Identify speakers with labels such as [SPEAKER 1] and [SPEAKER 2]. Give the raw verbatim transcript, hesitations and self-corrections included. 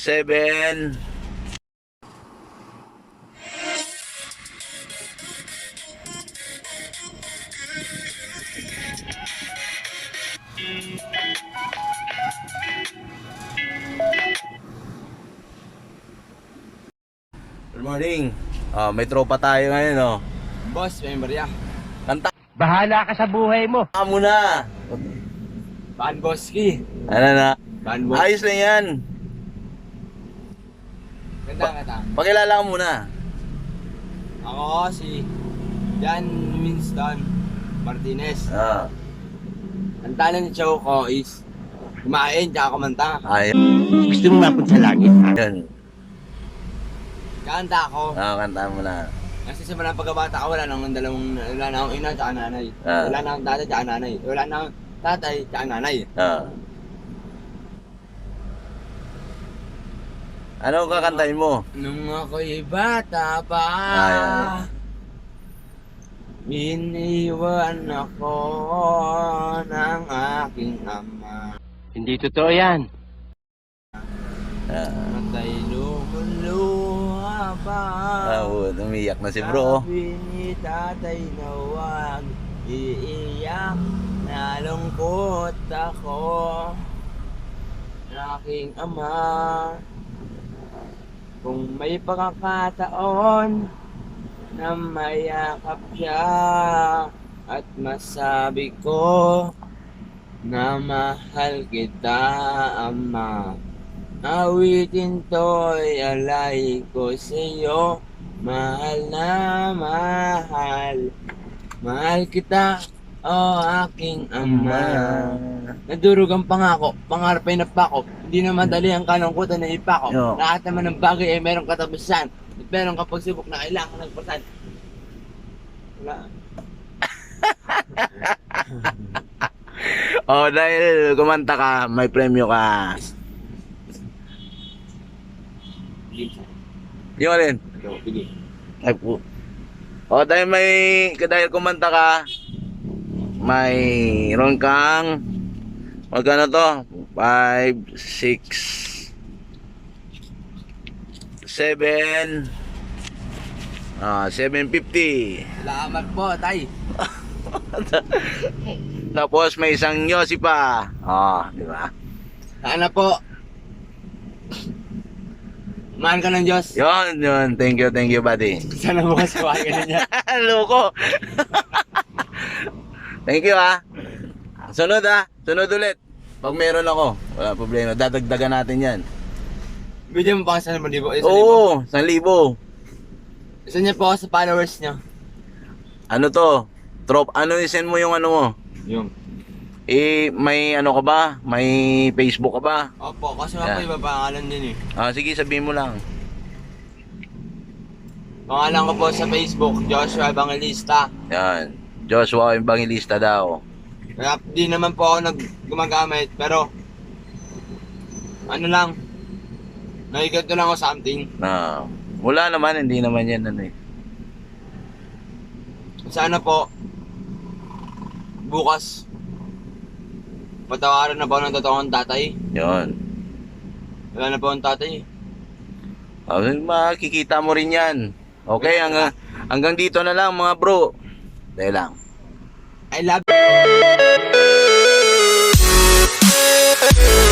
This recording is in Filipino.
[SPEAKER 1] seven. Good morning. Ah, may tropa tayo ngayon, oh.
[SPEAKER 2] Boss, member ya.
[SPEAKER 1] Kanta
[SPEAKER 3] Bahala ka sa buhay mo.
[SPEAKER 1] ka muna.
[SPEAKER 2] Ban Boski.
[SPEAKER 1] Ano na?
[SPEAKER 2] Ban Boss.
[SPEAKER 1] Ayos na yan.
[SPEAKER 2] Ganda nga ta.
[SPEAKER 1] Pakilala ka muna.
[SPEAKER 2] Ako si Jan Winston Martinez.
[SPEAKER 1] Ah,
[SPEAKER 2] Ang talent show ko is kumain tsaka kumanta.
[SPEAKER 1] ayun.
[SPEAKER 3] Gusto mo mapunta sa langit, ha?
[SPEAKER 1] Yun.
[SPEAKER 2] Kanta ako.
[SPEAKER 1] Ah, kanta mo na.
[SPEAKER 2] Kasi sa mga pagkabata ko, wala nang dalawang, wala na akong ina tsaka nanay.
[SPEAKER 1] Ah.
[SPEAKER 2] Wala na akong tatay tsaka nanay. Wala na akong tatay tsaka nanay.
[SPEAKER 1] Ah. Ano kakantahin mo?
[SPEAKER 2] Nung ako'y bata pa,
[SPEAKER 1] Ah,
[SPEAKER 2] iniwan ako ng aking ama.
[SPEAKER 3] Hindi totoo yan.
[SPEAKER 1] Ah,
[SPEAKER 2] Matay lumuluha pa.
[SPEAKER 1] ah, oh, umiyak na si bro.
[SPEAKER 2] Sabi ni tatay na huwag iiyak, nalungkot ako ng aking ama. Kung may pagkakataon na mayakap siya at masabi ko na mahal kita, ama, awitin to'y alay ko sa'yo. Mahal na mahal, mahal kita, o aking ama. Nadurog ang pangako, pangarap ay napako. Hindi na madali ang kalungkutan na ipako.
[SPEAKER 1] Yo.
[SPEAKER 2] Lahat naman ng bagay ay merong katapusan. At meron ka pagsubok na kailangan ng pasan. Wala.
[SPEAKER 1] Oh, dahil kumanta ka, may premyo ka. Yung alin?
[SPEAKER 2] Ikaw, pili.
[SPEAKER 1] Ay po. Oh, dahil may, dahil kumanta ka, mayroon kang, magkano to? five, six, seven, ah, seven fifty.
[SPEAKER 2] Salamat po, tay.
[SPEAKER 1] Tapos may isang Yossi pa. Oh, di ba?
[SPEAKER 2] Sana po. Mahal ka ng Diyos.
[SPEAKER 1] Yun, yun. Thank you, thank you, buddy.
[SPEAKER 2] Sana bukas kuhain ka na niya.
[SPEAKER 1] Loko. Thank you, ha. Sunod, ha. Sunod ulit. Pag meron ako, wala problema. Dadagdagan natin yan.
[SPEAKER 2] Bigyan mo pa kasi sa libo. Isa libo.
[SPEAKER 1] Oo, isang libo.
[SPEAKER 2] Isa niya po ako sa followers niya.
[SPEAKER 1] Ano to? Trop, ano i-send mo yung ano mo?
[SPEAKER 2] Yung.
[SPEAKER 1] Eh, may ano ka ba? May Facebook ka ba?
[SPEAKER 2] Opo, kasi nga po
[SPEAKER 1] Yeah.
[SPEAKER 2] iba pangalan din eh.
[SPEAKER 1] Ah, sige, sabihin mo lang.
[SPEAKER 2] Pangalan ko po sa Facebook, Joshua Evangelista.
[SPEAKER 1] Yan. Joshua Evangelista daw.
[SPEAKER 2] Kaya di naman po ako nag gumagamit, pero ano lang, nakikiganto lang ako something.
[SPEAKER 1] Na, wala naman, hindi naman yan ano eh.
[SPEAKER 2] Sana po, bukas, patawaran na po ng totoong tatay.
[SPEAKER 1] Yun.
[SPEAKER 2] Wala na po ang tatay.
[SPEAKER 1] Ah, makikita mo rin yan. Okay, hanggang, hanggang dito na lang mga bro. Dahil lang.
[SPEAKER 2] I love